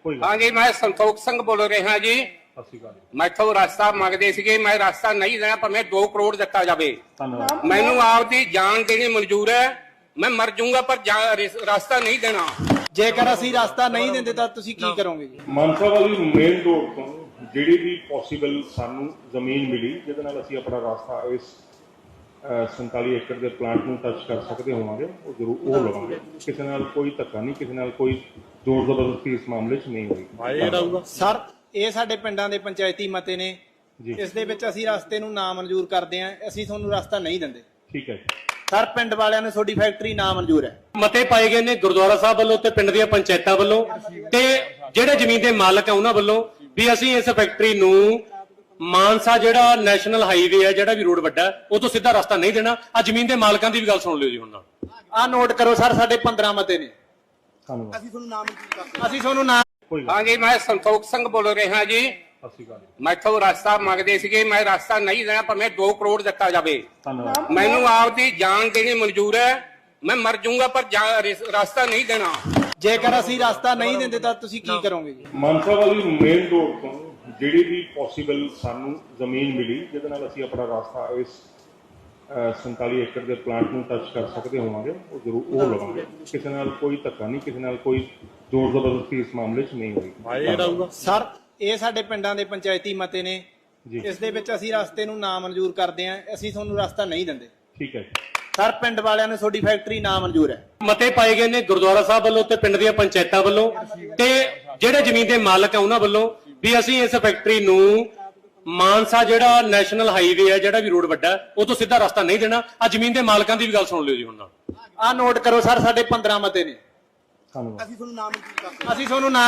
हाँ जी, मैं संतोख सिंह बोल रहा जी। मैथों रास्ता मंगते सीगे, मैं रास्ता नहीं देना, पर मैं 2 करोड़ दिता जाए। मैनू आपकी जान देनी मंजूर है, मैं मर जाऊंगा पर रास्ता नहीं देना। ਜੇਕਰ ਅਸੀਂ ਰਸਤਾ ਨਹੀਂ ਦਿੰਦੇ ਤਾਂ ਤੁਸੀਂ ਕੀ ਕਰੋਗੇ ਜੀ? ਮਾਨਸਾ ਵਾਲੀ ਮੇਨ ਰੋਡ ਤੋਂ ਜਿਹੜੀ ਵੀ ਪੋਸੀਬਲ ਸਾਨੂੰ ਜ਼ਮੀਨ ਮਿਲੀ ਜਿਹਦੇ ਨਾਲ ਅਸੀਂ ਆਪਣਾ ਰਾਸਤਾ ਇਸ 47 ਏਕੜ ਦੇ ਪਲਾਂਟ ਨੂੰ ਟੱਚ ਕਰ ਸਕਦੇ ਹੋਵਾਂਗੇ, ਉਹ ਜ਼ਰੂਰ ਉਹ ਲਵਾਂਗੇ। ਕਿਸੇ ਨਾਲ ਕੋਈ ਧੱਕਾ ਨਹੀਂ, ਕਿਸੇ ਨਾਲ ਕੋਈ ਜ਼ੋਰ ਜ਼ਬਰਦਸਤੀ ਇਸ ਮਾਮਲੇ 'ਚ ਨਹੀਂ ਹੋਈ। ਸਰ, ਇਹ ਸਾਡੇ ਪਿੰਡਾਂ ਦੇ ਪੰਚਾਇਤੀ ਮਤੇ ਨੇ, ਇਸ ਦੇ ਵਿੱਚ ਅਸੀਂ ਰਸਤੇ ਨੂੰ ਨਾ ਮਨਜ਼ੂਰ ਕਰਦੇ ਹਾਂ, ਅਸੀਂ ਤੁਹਾਨੂੰ ਰਸਤਾ ਨਹੀਂ ਦਿੰਦੇ। ਠੀਕ ਹੈ ਸਰ, ਪਿੰਡ ਵਾਲਿਆਂ ਨੂੰ ਤੁਹਾਡੀ ਫੈਕਟਰੀ ਨਾ ਮਨਜ਼ੂਰ ਹੈ। ਮਤੇ ਪਾਏ ਗਏ ਨੇ ਗੁਰਦੁਆਰਾ ਸਾਹਿਬ ਵੱਲੋਂ ਤੇ ਪਿੰਡ ਦੀਆਂ ਪੰਚਾਇਤਾਂ ਵੱਲੋਂ ਤੇ ਜਿਹੜੇ ਜ਼ਮੀਨ ਦੇ ਮਾਲਕ ਆ ਉਹਨਾਂ ਵੱਲੋਂ ਵੀ ਅਸੀਂ ਇਸ ਫੈਕਟਰੀ ਨੂੰ ਮਾਨਸਾ ਜਿਹੜਾ ਨੈਸ਼ਨਲ ਹਾਈਵੇ ਹੈ, ਜਿਹੜਾ ਵੀ ਰੋਡ ਵੱਡਾ, ਉਹ ਤੋਂ ਸਿੱਧਾ ਰਸਤਾ ਨਹੀਂ ਦੇਣਾ। ਆ ਜ਼ਮੀਨ ਦੇ ਮਾਲਕਾਂ ਦੀ ਵੀ ਗੱਲ ਸੁਣ ਲਿਓ ਜੀ ਹੁਣ ਨਾਲ। ਆਹ ਨੋਟ ਕਰੋ ਸਰ, ਸਾਡੇ 15 ਮਤੇ ਨੇ। ਧੰਨਵਾਦ। ਅਸੀਂ ਤੁਹਾਨੂੰ ਨਾਮ हाँ जी, मैं संतोख सिंह बोल रहा जी। मैथों रास्ता मंगते सीगे, मैं रास्ता नहीं देना, पर मैं 2 करोड़ दिता जाए। ਧੰਨਵਾਦ। मैनू आपकी जान देनी मंजूर है, मैं मर जाऊंगा पर रास्ता नहीं देना। ਜੇਕਰ ਅਸੀਂ ਰਸਤਾ ਨਹੀਂ ਦਿੰਦੇ ਤਾਂ ਤੁਸੀਂ ਕੀ ਕਰੋਗੇ ਜੀ? ਮਾਨਸਾ ਵਾਲੀ ਮੇਨ ਰੋਡ ਤੋਂ ਜਿਹੜੀ ਵੀ ਪੋਸੀਬਲ ਸਾਨੂੰ ਜ਼ਮੀਨ ਮਿਲੀ ਜਿਹਦੇ ਨਾਲ ਅਸੀਂ ਆਪਣਾ ਰਾਸਤਾ ਇਸ 47 ਏਕੜ ਦੇ ਪਲਾਂਟ ਨੂੰ ਟੱਚ ਕਰ ਸਕਦੇ ਹੋਵਾਂਗੇ, ਉਹ ਜ਼ਰੂਰ ਉਹ ਲਵਾਂਗੇ। ਕਿਸੇ ਨਾਲ ਕੋਈ ਧੱਕਾ ਨਹੀਂ, ਕਿਸੇ ਨਾਲ ਕੋਈ ਜ਼ੋਰ ਜ਼ਬਰਦਸਤੀ ਇਸ ਮਾਮਲੇ 'ਚ ਨਹੀਂ ਹੋਈ। ਸਰ, ਇਹ ਸਾਡੇ ਪਿੰਡਾਂ ਦੇ ਪੰਚਾਇਤੀ ਮਤੇ ਨੇ, ਇਸ ਦੇ ਵਿੱਚ ਅਸੀਂ ਰਸਤੇ ਨੂੰ ਨਾ ਮਨਜ਼ੂਰ ਕਰਦੇ ਹਾਂ, ਅਸੀਂ ਤੁਹਾਨੂੰ ਰਸਤਾ ਨਹੀਂ ਦਿੰਦੇ। ਠੀਕ ਹੈ ਸਰ, ਪਿੰਡ ਵਾਲਿਆਂ ਨੂੰ ਤੁਹਾਡੀ ਫੈਕਟਰੀ ਨਾ ਮਨਜ਼ੂਰ ਹੈ। ਮਤੇ ਪਾਏ ਗਏ ਨੇ ਗੁਰਦੁਆਰਾ ਸਾਹਿਬ ਵੱਲੋਂ ਤੇ ਪਿੰਡ ਦੀਆਂ ਪੰਚਾਇਤਾਂ ਵੱਲੋਂ ਤੇ ਜਿਹੜੇ ਜ਼ਮੀਨ ਦੇ ਮਾਲਕ ਆ ਉਹਨਾਂ ਵੱਲੋਂ ਵੀ ਅਸੀਂ ਇਸ ਫੈਕਟਰੀ ਨੂੰ ਮਾਨਸਾ ਜਿਹੜਾ ਨੈਸ਼ਨਲ ਹਾਈਵੇ ਹੈ, ਜਿਹੜਾ ਵੀ ਰੋਡ ਵੱਡਾ, ਉਹ ਤੋਂ ਸਿੱਧਾ ਰਸਤਾ ਨਹੀਂ ਦੇਣਾ। ਆ ਜ਼ਮੀਨ ਦੇ ਮਾਲਕਾਂ ਦੀ ਵੀ ਗੱਲ ਸੁਣ ਲਿਓ ਜੀ ਹੁਣ ਨਾਲ। ਆਹ ਨੋਟ ਕਰੋ ਸਰ, ਸਾਡੇ 15 ਮਤੇ ਨੇ। ਧੰਨਵਾਦ। ਅਸੀਂ ਤੁਹਾਨੂੰ ਨਾਮ